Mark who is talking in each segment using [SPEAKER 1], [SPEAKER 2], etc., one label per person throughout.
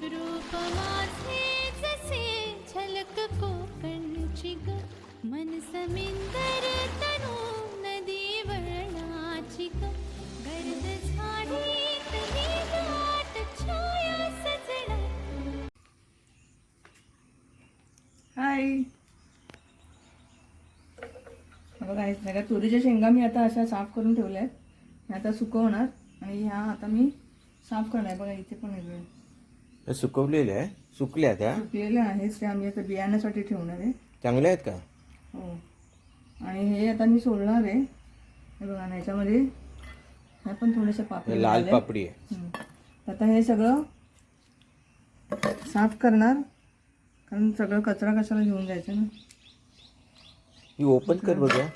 [SPEAKER 1] रूप माझे जसे झलक कोकणची ग, मन समिंदर तनु नदी वळणाची ग, गर्द झाडी तरी दाट छाया सजणा.
[SPEAKER 2] हाय. बघा हेच नाही का, तुरीच्या शेंगा मी आता अशा साफ करून ठेवल्या आहेत. मी आता सुकवणार आणि ह्या आता मी साफ करणार. बघा इथे पण वेगळे
[SPEAKER 3] सुकवलेल्या आहे, सुकल्या त्या
[SPEAKER 2] सुकलेल्या आहेत त्या आम्ही आता बियाण्यासाठी ठेवणार आहे.
[SPEAKER 3] चांगल्या आहेत का?
[SPEAKER 2] हो. आणि हे आता मी सोडणार आहे. हे बघा ना, याच्यामध्ये ह्या पण थोड्याशा पापडी
[SPEAKER 3] लाल
[SPEAKER 2] मिळाल्या.
[SPEAKER 3] पापडी आहे.
[SPEAKER 2] आता हे सगळं साफ करणार, कारण सगळं कचरा कशाला घेऊन जायचं ना.
[SPEAKER 3] ही ओपन कर बघा.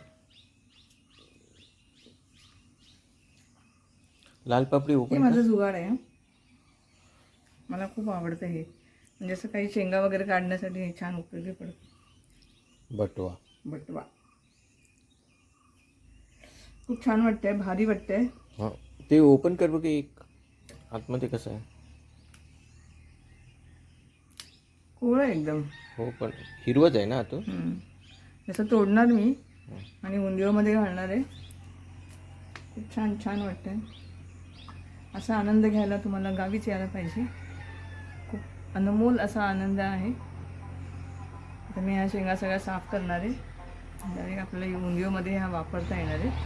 [SPEAKER 3] लाल पापडी
[SPEAKER 2] हे
[SPEAKER 3] ओपन
[SPEAKER 2] माझं जुगाड आहे. मला खूप आवडतं हे, म्हणजे असं काही शेंगा वगैरे काढण्यासाठी हे छान उपयोगी पडतं.
[SPEAKER 3] बटवा.
[SPEAKER 2] बटवा खूप छान वाटतंय, भारी वाटतंय.
[SPEAKER 3] हां, ते ओपन कर बघ. एक आतमध्ये कसं आहे?
[SPEAKER 2] कोवळं आहे एकदम.
[SPEAKER 3] हो, पण हिरवत आहे ना तो.
[SPEAKER 2] जसं तोडणार मी आणि उंदिओमध्ये घालणार आहे. खूप छान छान वाटतंय. असा आनंद घ्यायला तुम्हाला गावीच यायला पाहिजे. खूप अनमोल असा आनंद आहे. आता मी ह्या शेंगा सगळ्या साफ करणार आहे. डायरेक्ट आपल्याला उंदिओमध्ये ह्या वापरता येणार आहे.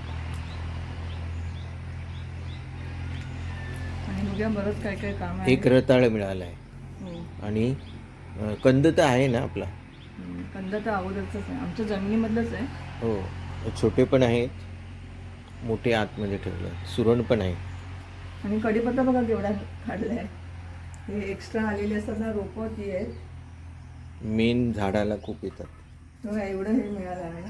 [SPEAKER 2] आणि उद्या बरंच काय काय काम आहे.
[SPEAKER 3] एक रताळ मिळाला आहे.
[SPEAKER 2] हो.
[SPEAKER 3] आणि कंद तर आहे ना आपला.
[SPEAKER 2] कंद तर अगोदरच आहे, आमच्या जमिनीमधलंच आहे.
[SPEAKER 3] हो, छोटे पण आहेत, मोठे आतमध्ये ठेवले. सुरण पण आहे.
[SPEAKER 2] आणि कढीपत्ता बघा केवढा काढलाय. हे एक्स्ट्रा आलेले असतात ना रोपं, ती आहेत.
[SPEAKER 3] मेन झाडाला खूप येतात.
[SPEAKER 2] तेव्हा एवढं हे मिळालं आहे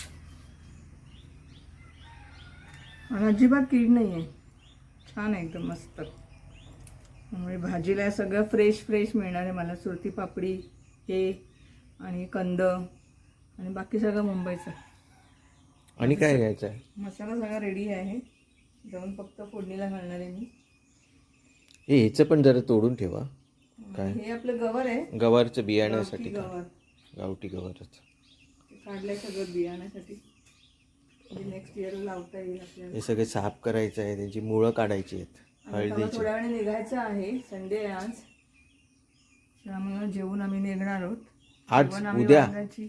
[SPEAKER 2] आणि अजिबात कीड नाही आहे. छान आहे एकदम मस्त. त्यामुळे भाजीला सगळं फ्रेश फ्रेश मिळणार आहे मला. सुरती पापडी हे आणि कंद आणि बाकी सगळं मुंबईचं.
[SPEAKER 3] आणि काय घ्यायचं आहे?
[SPEAKER 2] मसाला सगळा रेडी आहे, जाऊन फक्त फोडणीला घालणार आहे मी.
[SPEAKER 3] ह्याचं पण जरा तोडून ठेवा. काय?
[SPEAKER 2] हे आपलं गवार आहे,
[SPEAKER 3] गवारचं बियाण्यासाठी.
[SPEAKER 2] गवार
[SPEAKER 3] गावठी गवारच
[SPEAKER 2] काढलंय सगळं बियाण्यासाठी, म्हणजे नेक्स्ट इयरला लावता येईल आपल्याला.
[SPEAKER 3] हे सगळे साफ करायचं आहे, त्याची मुळं काढायची आहेत. हळदीची.
[SPEAKER 2] थोड्या वेळाने निघायचं आहे. संडे आहे आज, त्यामुळे जेवून आम्ही निघणार आहोत.
[SPEAKER 3] आज उद्या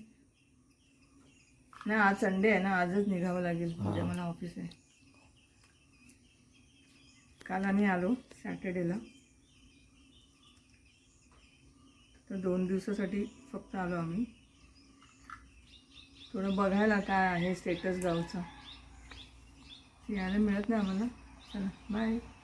[SPEAKER 2] नाही, आज संडे आहे ना, आजच निघावं लागेल. उद्या मला ऑफिस आहे. काल आम्ही आलो सॅटर्डेला, तर 2 दिवसासाठी फक्त आलो आम्ही. थोडं बघायला काय आहे स्टेटस गावचा, यायला मिळत नाही आम्हाला. चला बाय.